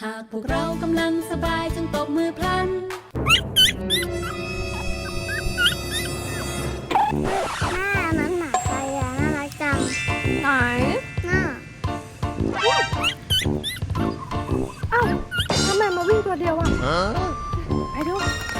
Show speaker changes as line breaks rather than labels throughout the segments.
ากพวกเรากำลังสบายจงตบมือพลัน
แม่มันหมาใครอะน่ารักจัง
ไหน
น่า
อ้าวทำไมมาวิ่งตัวเดียวอ่ะไปดู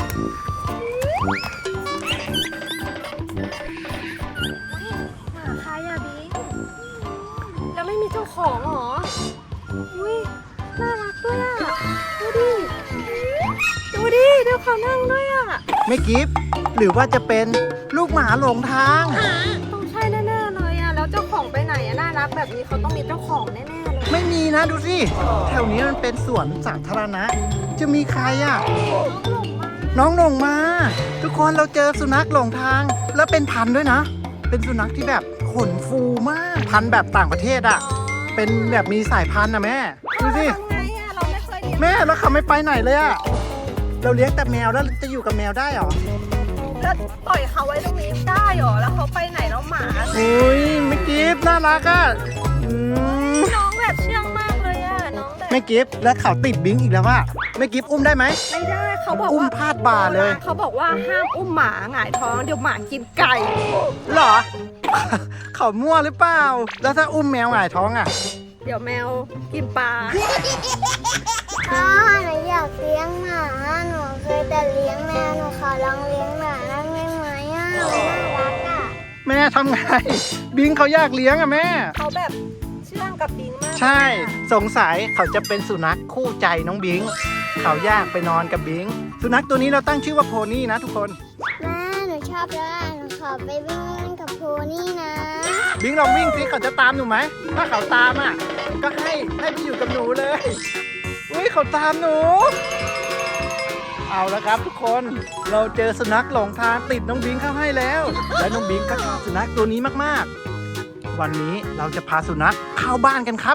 หมาใครอะบิ๊กแล้วไม่มีเจ้าของเหรออุ้ยน่ารักด้วยอ่ะดูดิดูเขานั่งด้วยอ่ะ
ไม่กิฟหรือว่าจะเป็นลูกหมาหลงทาง
ต้องใช่แน่ๆเลยอ่ะแล้วเจ้าของไปไหนอ่ะน่ารักแบบนี้เขาต้องมีเจ้าของแน่ๆเลย
ไม่มีนะดูสิแถวนี้มันเป็นสวนสาธารณะจะมีใครอ่ะน้องหลงมาทุกคนเราเจอสุนัขหลงทางแล้วเป็นพันธุ์ด้วยนะเป็นสุนัขที่แบบขนฟูมากพันธุ์แบบต่างประเทศอ่ะเป็นแบบมีสายพันธุ์นะแม่ดูสิ
ทำไงอ่ะเราไม่เคยเลี้ยง
แม่แล้วเขาไม่ไปไหนเลยอ่ะเราเลี้ยงแต่แมวแล้วจะอยู่กับแมวได้หรอ
แล้วปล่อยเขาไว้ตรงนี้ได้หรอแล้วเขาไปไหนแล้วหมา
อุ้ยไม่กิฟน่ารักอ่ะ
น้องแบบเชื่องมากเลยอ่ะน้องแบบ
ไม่กิฟแล้วเขาติดบิงอีกแล้วว่าไม่กิฟอุ้มได้ไหม
ไม่ได้เขาบอก
อุ้ม
ว่า
พาดบ่าเลย
เขาบอกว่าห้ามอุ้มหมาหงายท้องเดี๋ยวหมากินไก่
เหรอ เขามั่วหรือเปล่า แล้วถ้าอุ้มแมวหงายท้องอ่ะ
เดี๋ยวแมวกินปลา
พ่อหนูอยากเลี้ยงหมาหนูเคยแต่เลี้ยงแมวหนูขอลองเลี้ยงหมาได้ไหมอะมันน่ารักอะ
แม่ทำไง บิงเขาอยากเลี้ยงอ่ะแม่
เขาแบบเชื่องกับบิงมาก
ใช่ สงสัยเขาจะเป็นสุนัขคู่ใจน้องบิง เขาอยากไปนอนกับบิง สุนัขตัวนี้เราตั้งชื่อว่าโพนี่นะทุกคน
แม่หนูชอบแล้วหนูขอไปวิ่งเล่นกับโพนี่นะ
บิงลองวิ่งสิเขาจะตามหนูไหม ถ้าเขาตามอ่ะ ก็ให้ไปอยู่กับหนูเลย อุ้ยเขาตามหนู เอาละครับทุกคน เราเจอสุนัขหลงทางติดน้องบิงเข้าให้แล้ว และน้องบิงก็ชอบสุนัขตัวนี้มากๆ วันนี้เราจะพาสุนัขเข้าบ้านกันครับ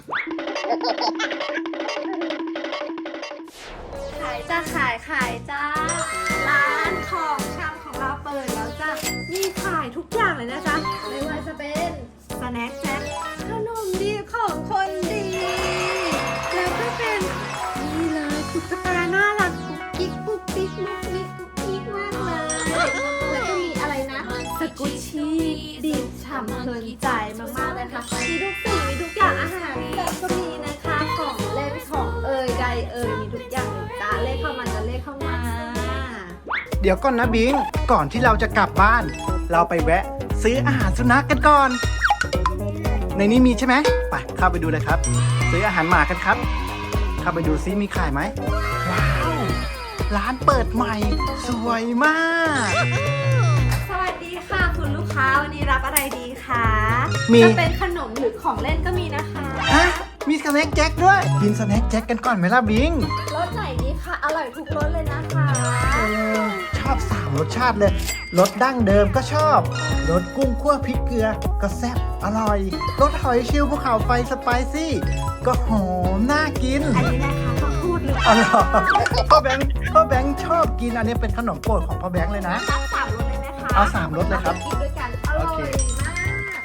ขายจ้าขายจ้าร้านของชำของเราเปิดแล้วจ้ามีขายทุกอย่างเลยนะจ๊ะไม่ว่าจะเป็นสแน็คแจ็คขนมดีของคนดี แล้วก็เป็นนี่เลยตุ๊กตาน่ารักกุ๊กกิ๊กกุ๊กกิ๊กมุกมิกกุ๊กกิ๊กมากเลยแล้วก็มีอะไรนะสกุชชี่ดีดฉ่ำเพลินใจมากๆเลยค่ะมีทุกสิ่งมีทุกอย่างอาหารแบบก็มีนะคะของเล่นของใดมีทุกอย่างเลยจ้าเลขเข้ามาจะเลขเข้ามา
เดี๋ยวก่อนนะบิง ก่อนที่เราจะกลับบ้าน เราไปแวะ ซื้ออาหารสุนัขกันก่อน ในนี้มีใช่ไหมไปเข้าไปดูเลยครับ ซื้ออาหารหมากันครับ เข้าไปดูซิมีขายไหมว้าวร้านเปิดใหม่ สวยมาก
สวัสดีค่ะคุณลูกค้าวันนี้รับอะไรดีคะ
มี
จะเป็นขนมหรือของเล่นก็มีนะคะ
ฮะมีสแน็คแจ็คด้วยกินสแน็คแจ็คกันก่อนไหมล่ะบิง
รสไหนดีคะอร่อยทุกรสเลยนะคะ
ชอบ3รสชาติเลยรสดั้งเดิมก็ชอบรสกุ้งคั่วพริกเกลือก็แซ่บอร่อยรสหอยเชลล์ภูเขาไฟสไปซี่ก็หอมน่ากิน
อันนี้นะคะเขาพูดหรือเป
อ๋อ
ล่า
เหรอพ่อแบงค์ชอบกินอันนี้เป็นขนมโปรดของพ่อแบงค์เลยนะ
รับ3รสเลยไหมคะ
เอา3รสเลยครับ
กินด้วยกันอร่อย
โอเค
มาก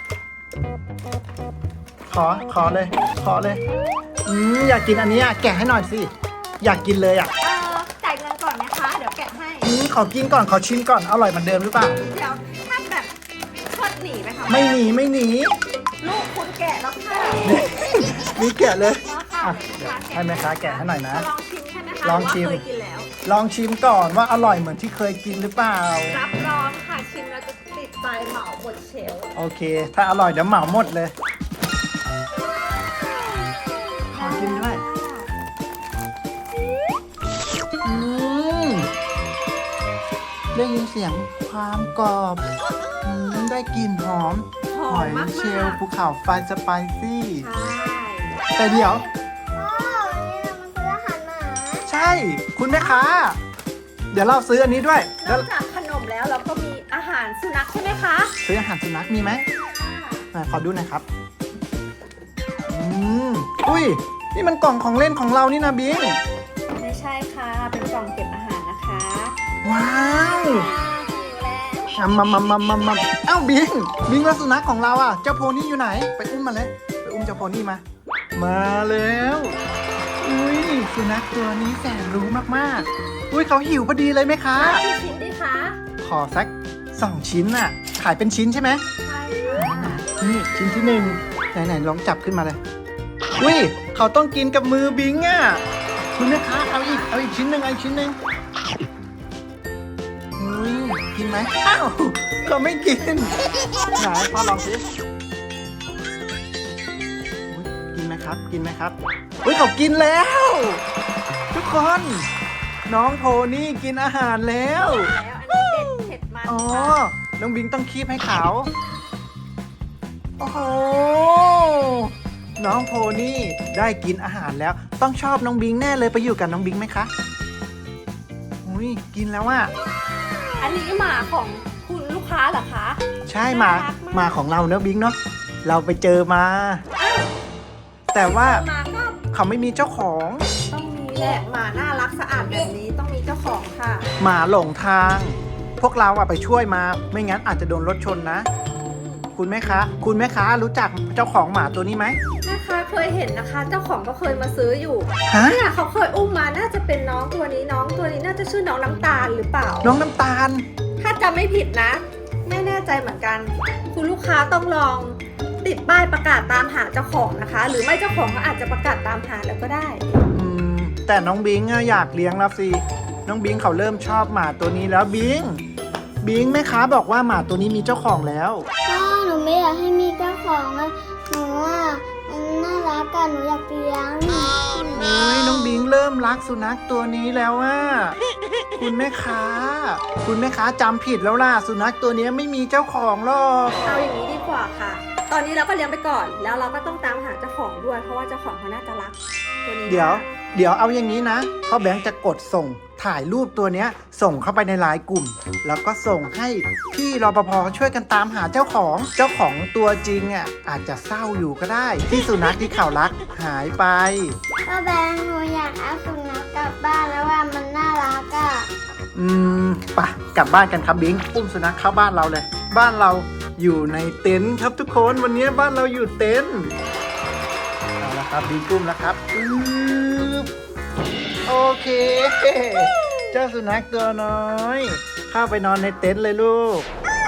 ขอเลยอยากกินอันนี้อ่ะแกะให้หน่อยสิอยากกินเลยอ่ะ
จ่ายเงินก่อนไหมคะเดี๋ยวแกะให้
ขอกินก่อนขอชิมก่อนอร่อยเหมือนเดิมหรือเปล่า
เดี๋ยวถ้าแบบชดหนีไหมคะ
ไม่หนี
ลูกคุณแกะแล้วค่ะ
นี่แกะเลย
แล้วค่ะ
อ่ะเดี๋ยวให้แม่ค้าแกะให้หน่อยนะ
จะลองชิมใช่ไหมคะ
ลองชิม
หรืว่าเคยกินแล้ว
ลองชิมก่อนว่าอร่อยเหมือนที่เคยกินหรือเปล่า
รับรองค่ะชิมแล้วจะติดใจเหมาหมดเชลฟ์
โอเค ถ้าอร่อยเดี๋ยวเหมาหมดเลย ขอกินด้วยได้ยินเสียงความกรอบได้กลิ่นหอม
ห
ห
อ
อ
ม
ย
มาก
เชลล์ภูเขาไฟสไปซี่
ใช่
แต่เดี๋ยว
พ่อวันนี้เรามาซื้ออาหารหมา
ใช่ คุณแม่ค้า เดี๋ยวเราซื้ออันนี้ด้วย
น
แล้
อ
ว
กจากขนมแล้วเราก็มีอาหารสุนัขใช่ไหมคะ
ซื้ออาหารสุนัขมีไหมขอดูหน่อยครับ อุ้ย นี่มันกล่องของเล่นของเรานี่นะบิง
ไม่ใช่ค่ะเป็นกล่องเก็บอาหารนะคะ
ว้าว
หิวแล้ว
มาเอ้าบิงแล้วสุนัขของเราอ่ะ เจ้าโพนี่อยู่ไหน ไปอุ้มมาเลย ไปอุ้มเจ้าโพนี่มา มาแล้วอุ้ยสุนัขตัวนี้แสนรู้มากๆอุ้ยเขาหิวพอดีเลยไหมคะ
กี่ชิ้นดีคะ
ขอสัก2 ชิ้นน่ะขายเป็นชิ้นใช่ไหม
ใช่ค่ะ
นี่ชิ้นที่1ไหนๆลองจับขึ้นมาเลยอุ้ยเขาต้องกินกับมือบิงอ่ะคุณแม่ค้าเอาอีกชิ้นหนึ่งเอาอีกชิ้นหนึ่งอุ้ยกินไหมอ้าวเขาไม่กินไหนพ่อลองสิอุ๊ยกินไหมครับกินไหมครับอุ้ยเขากินแล้ว ทุกคนน้องโพนี่กินอาหารแล้ว
แล้วอันนี้เด็ดเผ็ดมัน
อ๋อ
ค่ะ
น้องบิงต้องคีบให้เขาโอ้โห น้องโพนี่ได้กินอาหารแล้ว ต้องชอบน้องบิงแน่เลยไปอยู่กับน้องบิงไหมคะ อุ้ยกินแล้วอ่ะ
อันนี้หมาของคุณลูกค้าเหรอคะ
ใช่หมา
น่ารักมาก
หมาของเราเนอะบิงเนาะ เราไปเจอมา แต่ว่า
หมาก็
เขาไม่มีเจ้าของ
ต้องมีแหละหมาน่ารักสะอาดแบบนี้ต้องมีเจ้าของค่ะ
หมาหลงทาง พวกเราอะไปช่วยมา ไม่งั้นอาจจะโดนรถชนนะ คุณแม่ค้ารู้จักเจ้าของหมาตัวนี้ไหม
แม่ค้าเคยเห็นนะคะ เจ้าของก็เคยมาซื้ออยู่
ฮะ
เนี่ยเขาเคยอุ้มมาน่าจะเป็นน้องตัวนี้น้องตัวนี้น่าจะชื่อน้องน้ำตาลหรือเปล่า
น้องน้ำตาล
ถ้าจำไม่ผิดนะ ไม่แน่ใจเหมือนกัน คุณลูกค้าต้องลองติดป้ายประกาศตามหาเจ้าของนะคะ หรือไม่เจ้าของก็อาจจะประกาศตามหาแล้วก็ได้
อืมแต่น้องบิงอะอยากเลี้ยงแล้วสิ น้องบิงเขาเริ่มชอบหมาตัวนี้แล้วบิงแม่ค้าบอกว่าหมาตัวนี้มีเจ้าของแล้ว
พ่อหนูไม่อยากให้มีเจ้าของอะหนูว่ามันน่ารักกันหนูอยากเลี้ยง
โอ้ยน้องบิงเริ่มรักสุนัขตัวนี้แล้วอะคุณแม่ค้าจำผิดแล้วล่ะสุนัขตัวนี้ไม่มีเจ้าของหรอก
เอาอย่างนี้ดีกว่าค่ะ ตอนนี้เราก็เลี้ยงไปก่อน แล้วเราก็ต้องตามหาเจ้าของด้วย เพราะว่าเจ้าของเขาน่าจะรักตัวนี้
เดี๋ยวเอาอย่างนี้นะพ่อแบงค์จะกดส่งถ่ายรูปตัวเนี้ยส่งเข้าไปในไลน์กลุ่ม แล้วก็ส่งให้พี่รปภช่วยกันตามหาเจ้าของตัวจริงอ่ะอาจจะเศร้าอยู่ก็ได้ ที่สุนัขที่เขารักหายไป
พ่อแบงค์หนูอยากเอาสุนัขกลับบ้านแล้วว่ามันน่ารักอะ
ไปกลับบ้านกันครับบิงอุ้มสุนัขเข้าบ้านเราเลย บ้านเราอยู่ในเต็นท์ครับทุกคนวันนี้บ้านเราอยู่เต็นท์เอาละครับบิงอุ้มแล้วครับโอเค เจ้าสุนัขตัวน้อยเข้าไปนอนในเต็นท์เลยลูก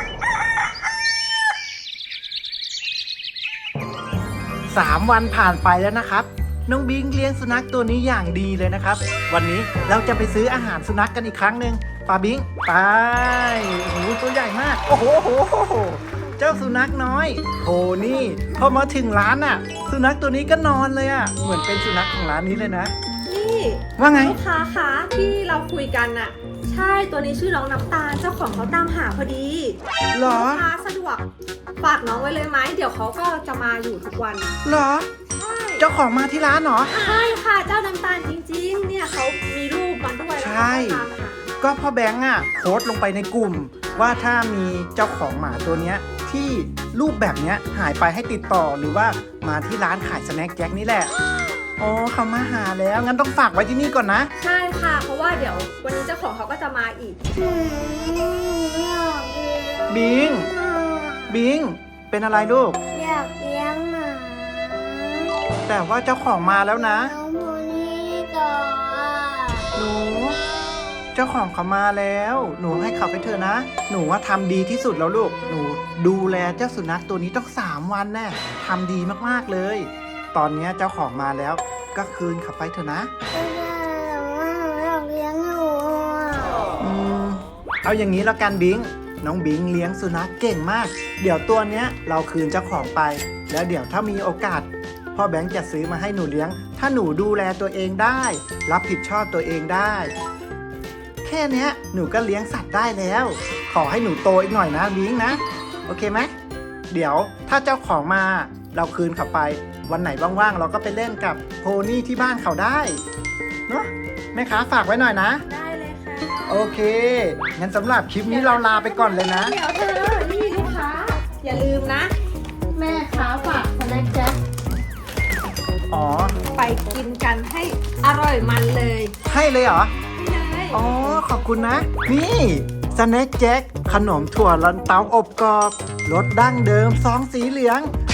3 วันผ่านไปแล้วนะครับ น้องบิงเลี้ยงสุนัขตัวนี้อย่างดีเลยนะครับ วันนี้เราจะไปซื้ออาหารสุนัขกันอีกครั้งหนึ่งปาบิงไปโอ้โหตัวใหญ่มากโอ้โหเจ้าสุนัขน้อยโหนี่พอมาถึงร้านอ่ะ สุนัขตัวนี้ก็นอนเลยอ่ะเหมือนเป็นสุนัขของร้านนี้เลยนะ
นี่
ว่าไง
ลูกค้าคะที่เราคุยกันน่ะ ใช่ตัวนี้ชื่อน้องน้ำตาลเจ้าของเขาตามหาพอดี
เหรอ
ลูกค้าสะดวกฝากน้องไว้เลยไหมเดี๋ยวเขาก็จะมาอยู่ทุกวัน
เหรอ
ใช่
เจ้าของมาที่ร้านเหรอ
ใช่ค่ะเจ้าน้ำตาลจริงๆ เนี่ยเขามีรูปมันด้วยแล้ว
ใช่
เขาก็ตามหา
ก็พ่อแบงค์อ่ะโพสต์ลงไปในกลุ่ม ว่าถ้ามีเจ้าของหมาตัวเนี้ยที่รูปแบบเนี้ยหายไปให้ติดต่อหรือว่ามาที่ร้านขายสแน็คแจ็คนี่แหละอ๋อเขามาหาแล้วงั้นต้องฝากไว้ที่นี่ก่อนนะ
ใช่ค่ะ เพราะว่าเดี๋ยววันนี้เจ้าของเขาก็จะมาอีก
อยากเลี้ยง
บิงเป็นอะไรลูก
อยากเลี้ยงหมา
แต่ว่าเจ้าของมาแล้วนะ
น้องโพนี่ต่ออะ
หนูเจ้าของเขามาแล้ว หนูให้เขาไปเถอะนะ หนูว่าทำดีที่สุดแล้วลูกหนูดูแลเจ้าสุนัขตัวนี้ต้อง3 วันแน่ทำดีมากๆเลย ตอนนี้เจ้าของมาแล้วก็คืนเขาไปเถอะนะ
ไม่ได้แต่ว่าหนูอยากเลี้ยงหนูอะ
เอาอย่างนี้แล้วกันบิงน้องบิงเลี้ยงสุนัขเก่งมาก เดี๋ยวตัวเนี้ยเราคืนเจ้าของไป แล้วเดี๋ยวถ้ามีโอกาสพ่อแบงค์จะซื้อมาให้หนูเลี้ยง ถ้าหนูดูแลตัวเองได้ รับผิดชอบตัวเองได้ แค่เนี้ยหนูก็เลี้ยงสัตว์ได้แล้ว ขอให้หนูโตอีกหน่อยนะบิงนะโอเคไหมเดี๋ยวถ้าเจ้าของมาเราคืนเขาไป วันไหนว่างๆเราก็ไปเล่นกับโพนี่ที่บ้านเขาได้เนาะแม่ค้าฝากไว้หน่อยนะ
ได้เลยค่ะ
โอเค งั้นสำหรับคลิปนี้เราลาไปก่อนเลยนะ
เดี๋ยวเธอ นี่ลูกค้า อย่าลืมนะ แม่ค้าฝากสแน็คแจ็ค
อ๋อ
ไปกินกันให้อร่อยมันเลย
ให้เลยเหรอ
นี่เลย
อ๋อ ขอบคุณนะ นี่สแน็คแจ็คขนมถั่วลันเตาอบกรอบรสดั้งเดิมซองสีเหลือง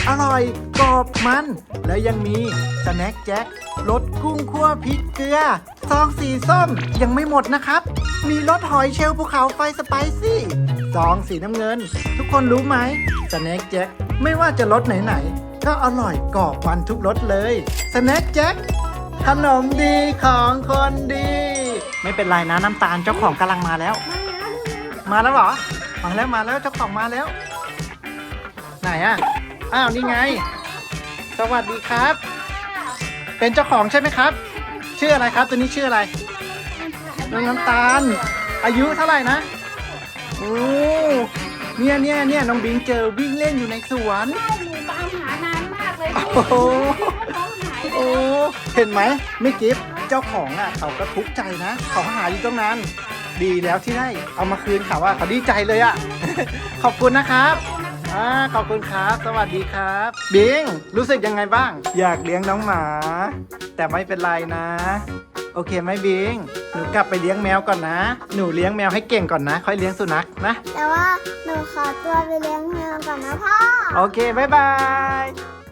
อร่อยกรอบมัน แล้วยังมีสแน็คแจ็ครสกุ้งคั่วพริกเกลือซองสีส้มยังไม่หมดนะครับ มีรสหอยเชลล์ภูเขาไฟสไปซี่ซองสีน้ำเงิน ทุกคนรู้ไหมสแน็คแจ็คไม่ว่าจะรสไหนๆก็อร่อยกรอบมันทุกรสเลยสแน็คแจ็คขนมดีของคนดี ไม่เป็นไรนะน้ำตาลเจ้าของกำลังมาแล้ว มาแล้วเหรอ มาแล้วเจ้าของมาแล้ว ไหนอ่ะ อ้าวนี่ไง สวัสดีครับ เป็นเจ้าของใช่ไหมครับ ชื่ออะไรครับตัวนี้ชื่ออะไรน้องน้ำตาล อายุเท่าไหร่นะโอ้เนี่ยน้องบิงเจอวิ่งเล่นอยู่ในสวน
หนูตามหานานมากเลย
โอ้โห
น้องหาย
โอ้เห็นไหมไม่กิฟเจ้าของอ่ะเขาก็ทุกข์ใจนะเขาหาอยู่ตรงนั้น ดีแล้วที่ได้เอามาคืนเขาว่าเขาดีใจเลยอ่ะ ขอบคุณนะครับขอบคุณครับ สวัสดีครับบิงรู้สึกยังไงบ้าง อยากเลี้ยงน้องหมา แต่ไม่เป็นไรนะ โอเคไหมบิงหนูกลับไปเลี้ยงแมวก่อนนะ หนูเลี้ยงแมวให้เก่งก่อนนะ ค่อยเลี้ยงสุนัขนะ
แต่ว่าหนูขอตัวไปเลี้ยงแมวก่อนนะพ่อ
โอเคบ๊ายบาย